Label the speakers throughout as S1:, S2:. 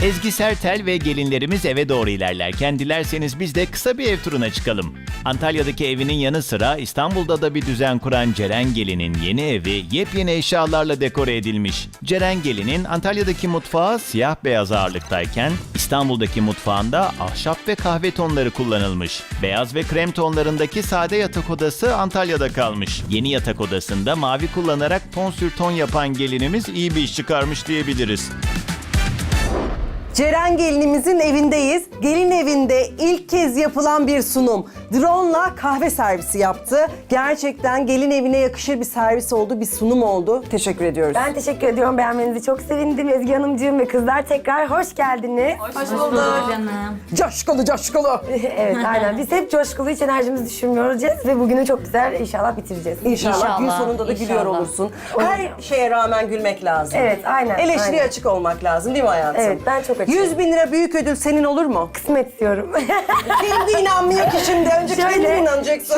S1: Ezgi Sertel ve gelinlerimiz eve doğru ilerlerken dilerseniz biz de kısa bir ev turuna çıkalım. Antalya'daki evinin yanı sıra İstanbul'da da bir düzen kuran Ceren Gelin'in yeni evi yepyeni eşyalarla dekore edilmiş. Ceren Gelin'in Antalya'daki mutfağı siyah beyaz ağırlıktayken İstanbul'daki mutfağında ahşap ve kahve tonları kullanılmış. Beyaz ve krem tonlarındaki sade yatak odası Antalya'da kalmış. Yeni yatak odasında mavi kullanarak ton sür ton yapan gelinimiz iyi bir iş çıkarmış diyebiliriz.
S2: Ceren gelinimizin evindeyiz. Gelin evinde ilk kez yapılan bir sunum. Drone'la kahve servisi yaptı. Gerçekten gelin evine yakışır bir servis oldu, bir sunum oldu. Teşekkür ediyoruz.
S3: Ben teşekkür ediyorum. Beğenmenizi çok sevindim Ezgi Hanımcığım ve kızlar tekrar hoş geldiniz.
S4: Hoş bulduk canım.
S2: Coşkulu coşkulu.
S3: Evet aynen. Biz hep coşkulu, hiç enerjimizi düşürmüyoruz ve bugünü çok güzel inşallah bitireceğiz.
S2: İnşallah gün
S4: İnşallah,
S2: sonunda da gülüyor
S4: inşallah.
S2: olursun. Her şeye rağmen gülmek lazım.
S3: Evet aynen.
S2: Eleştiriye
S3: aynen.
S2: açık olmak lazım değil mi hayatım?
S3: Evet, ben çok açığım.
S2: 100.000 lira büyük ödül senin olur mu?
S3: Kısmet diyorum.
S2: Kendi inanmıyor ki şimdi. Önce kendin inanacaksın.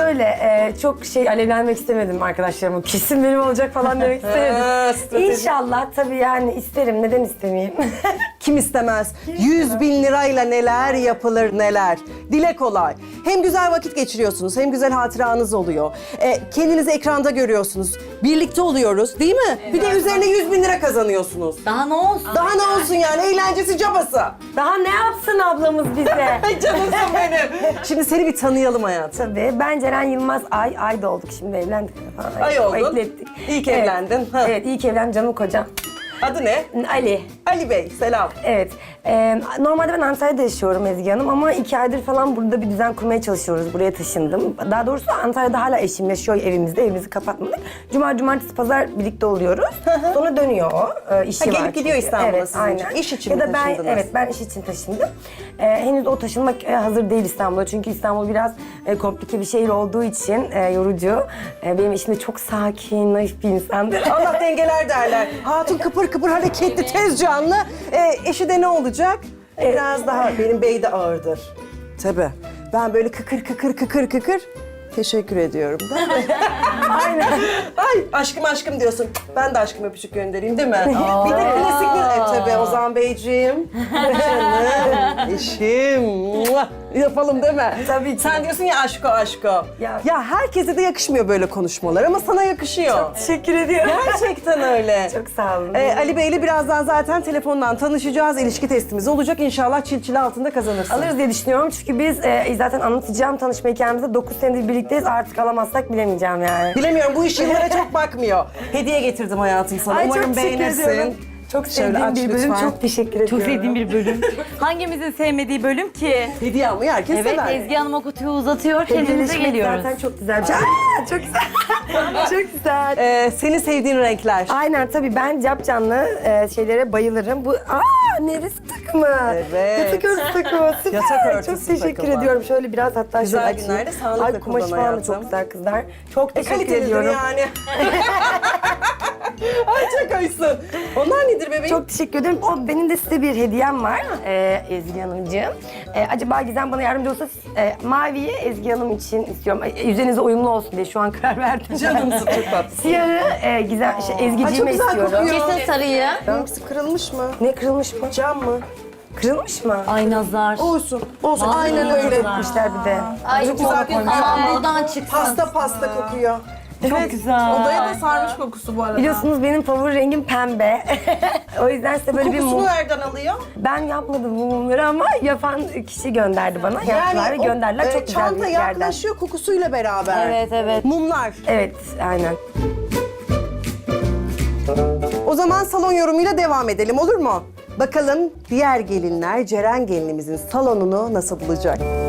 S3: Çok alevlenmek istemedim arkadaşlarıma. Kesin benim olacak falan demek istemedim.
S2: strateji.
S3: İnşallah tabii yani isterim. Neden istemeyeyim?
S2: Kim istemez? 100.000 lirayla neler yapılır neler. Dile kolay. Hem güzel vakit geçiriyorsunuz hem güzel hatıranız oluyor. Kendinizi ekranda görüyorsunuz. Birlikte oluyoruz değil mi? Bir de üzerine 100.000 lira kazanıyorsunuz.
S4: Daha ne olsun?
S2: Daha ne olsun yani eğlencesi cabası.
S3: Daha ne yapsın ablamız bize?
S2: Ay canımsın benim. Şimdi seni bir tanıyalım hayatım.
S3: Tabii. Ben Ceren Yılmaz Ay da olduk şimdi evlendik falan.
S2: Ay oldun.
S3: Eklettik.
S2: İyi ki evlendin. Ha.
S3: Evet iyi ki evlendim canım kocam.
S2: Adı ne?
S3: Ali.
S2: Ali Bey, selam.
S3: Evet. Normalde ben Antalya'da yaşıyorum Ezgi Hanım ama 2 aydır falan burada bir düzen kurmaya çalışıyoruz. Buraya taşındım. Daha doğrusu Antalya'da hala eşim yaşıyor evimizde. Evimizi kapatmadık. Cumartesi, pazar birlikte oluyoruz. Sonra dönüyor o. İşi
S2: Ha,
S3: var.
S2: gelip gidiyor
S3: çünkü.
S2: İstanbul'a
S3: evet,
S2: sizin
S3: aynen.
S2: için. İş için
S3: ya
S2: mi
S3: da ben,
S2: taşındınız?
S3: evet ben iş için taşındım. Henüz o taşınmak hazır değil İstanbul'a. Çünkü İstanbul biraz komplike bir şehir olduğu için yorucu. Benim eşim de çok sakin, naif bir insandır.
S2: Allah dengeler derler. Hatun kıpır kıpır hareketli, tez canlı. Eşi de ne olacak? Biraz daha, benim bey de ağırdır. Tabii. Ben böyle kıkır. Teşekkür ediyorum. Değil mi? Aynen. Ay aşkım diyorsun. Ben de aşkım öpücük göndereyim değil mi? Bir de klasik bir... tabii Ozan Beyciğim. Canım, eşim. Muah! Yapalım değil mi?
S3: Tabii ki.
S2: Sen diyorsun ya aşko.
S3: Ya.
S2: Ya herkese de yakışmıyor böyle konuşmalar ama sana yakışıyor.
S3: Teşekkür ediyorum.
S2: Gerçekten öyle.
S3: Çok sağ olun.
S2: Ali Bey'le birazdan zaten telefondan tanışacağız. İlişki testimiz olacak. İnşallah çil altında kazanırsın.
S3: Alırız diye düşünüyorum çünkü biz zaten anlatacağım tanışma hikayemizde 9 senedir birlikteyiz. Artık alamazsak bilemeyeceğim yani.
S2: Bilemiyorum, bu iş yıllara çok bakmıyor. Hediye getirdim hayatım sana.
S3: Ay,
S2: Umarım
S3: çok teşekkür
S2: beğenirsin.
S3: ediyorum. Çok
S2: Şöyle
S3: sevdiğim
S2: aç
S3: bir bölüm.
S2: lütfen.
S3: Çok teşekkür ediyorum.
S4: Çok sevdiğim bir bölüm. Hangimizin sevmediği bölüm ki?
S2: Hediye almayı herkes
S4: Evet,
S2: sever.
S4: Ezgi Hanım okutuyor, uzatıyor, kendimize
S3: Hediyeleşmek
S4: geliyoruz.
S3: zaten çok güzel bir şey. Çok güzel. Çok güzel.
S2: Senin sevdiğin renkler.
S3: Aynen tabii ben capcanlı şeylere bayılırım. Bu neresi takımı?
S2: Evet.
S3: Yatak örtüsü takımı. Süper.
S2: Yatak örtüsü
S3: çok teşekkür
S2: takımı.
S3: ediyorum. Şöyle biraz hatta
S2: Güzel
S3: şöyle açayım.
S2: günlerde sağlıkla
S3: Ay kumaşı
S2: kullan
S3: falan da
S2: hayatım.
S3: çok güzel kızlar. Çok teşekkür
S2: Kalitelidir
S3: ediyorum.
S2: yani. Ay çok hoşsun. Onlar nedir bebeğim?
S3: Çok teşekkür ederim. Benim de size bir hediyem var Ezgi Hanımcığım. Acaba Gizem bana yardımcı olsa maviyi Ezgi Hanım için istiyorum. Üzerinize uyumlu olsun diye şu an karar verdim.
S2: Canımsın, çok tatlı.
S3: Siyahı Ezgi'ciğime
S2: Ay, çok güzel
S3: istiyorum.
S2: kokuyor.
S4: Kesin sarıyı.
S2: Benimkisi kırılmış mı?
S3: Ne kırılmış mı?
S2: Cam mı?
S3: Kırılmış mı?
S4: Ay nazar.
S2: Olsun.
S4: Vallahi
S2: Aynen öyle.
S4: güzel.
S3: Yapmışlar bir de.
S4: Ay
S2: Çok güzel kokuyor.
S4: Aman buradan çıksın.
S2: Pasta kokuyor.
S4: Çok güzel.
S5: Odaya da sarmış kokusu bu arada.
S3: Biliyorsunuz benim favori rengim pembe. O yüzden size böyle bir
S2: Kokusunu
S3: mum...
S2: nereden alıyor?
S3: Ben yapmadım bu mumları ama yapan kişi gönderdi bana. Yaptılar ve gönderdiler. Çok güzel
S2: çanta
S3: bir yerden.
S2: yaklaşıyor kokusuyla beraber.
S4: Evet.
S2: Mumlar.
S3: Evet, aynen.
S2: O zaman salon yorumuyla devam edelim olur mu? Bakalım diğer gelinler Ceren gelinimizin salonunu nasıl bulacak?